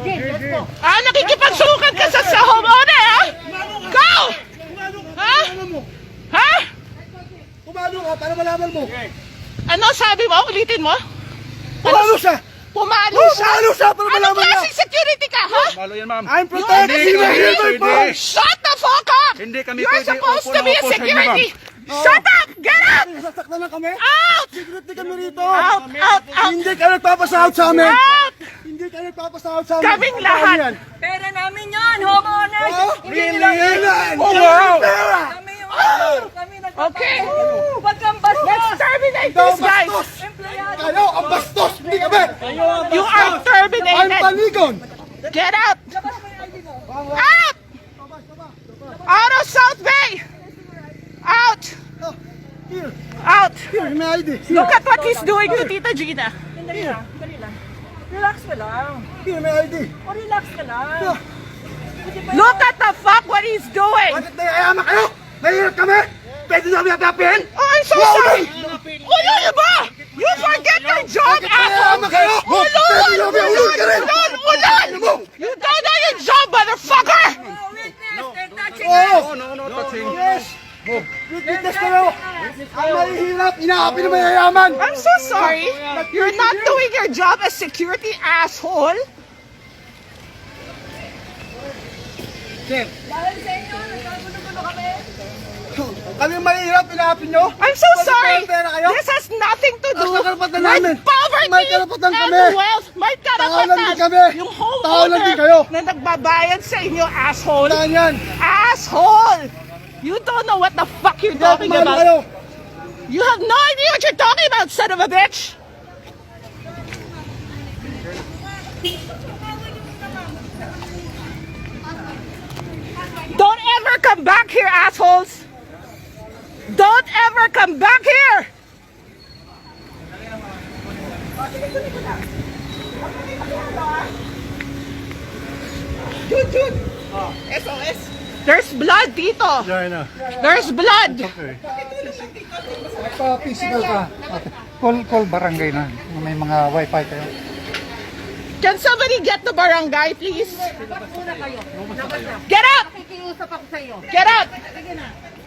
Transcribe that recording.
Nakikipagsukat ka sa homeowner, ha? Go! Ha? Ha? Pumalo ka para malaman mo. Ano sabi mo? Ulitin mo? Pumalo siya! Pumalo siya? Pumalo siya para Anong malaman niya! klaseng security ka, ha? Malo yan, ma'am. I'm protecting Hindi my kami human pwede. force! Shut the fuck up! Hindi kami You're pwede supposed upo to na be a upo sa inyo, security! ma'am. Shut up! Get up! Nasasaktan lang kami? Out! Security kami rito! Out! Out! Out! Hindi ka nagpapasahod sa amin! Out! Hindi ka nagpapasahod sa amin! Kaming lahat. Yan. Pera namin yan, homeowners! Oh, Hindi really? nila Oh, wow! Pera! kami yung kami Okay. Huwag kang bastos! Let's terminate Ikaw this, guys! bastos! Empleyado! Kayo ang bastos! Hindi kami! You are I'm terminated! panigon! Get out! Labas mo yung ID mo! Out! Out of South Bay! Out! Oh, here, Out! here, may ID. Look at what he's doing to Tita Gina. Dali lang, dali lang. Relax ka lang. Here, may ID. O relax ka lang. Yeah. Look at the fuck what he's doing! Bakit naiayama kayo? Mahirap kami? Pwede nyo kami apiapin? Oh, I'm so sorry! Ulo ba? You forget your job, asshole! Naiayama kayo? Pwede nyo kami ulul ka rin? Ulan! You don't know your job, motherfucker! Oh, witness! They're touching Oh! No, no, touching. Yes! Witness kayo! Ang mahihirap, inaapi na mayayaman! I'm so sorry. You're not doing your job as security, asshole. Sir, Dahil sa inyo, nagkagulo-gulo kami. kami ang mahihirap, inaapi nyo? I'm so sorry. Pera kayo? This has nothing to do Ang karapatan with namin. poverty May karapatan and kami. wealth. May Tao lang din karapatan. kami. Yung Tao lang din homeowner kayo. na nagbabayad sa inyo, asshole. Saan yan? Asshole! You don't know what the fuck you're talking Kumano about. kayo? You have no idea what you're talking about, son of a bitch. Don't ever come back here, assholes. Don't ever come back here. Dude. SOS. There's blood dito. There's blood. Physical ka. Okay. Call barangay na. May mga wifi kayo. Can somebody get the barangay, please? Get up! Nakikiusap ako sa iyo. Get up! Sige na.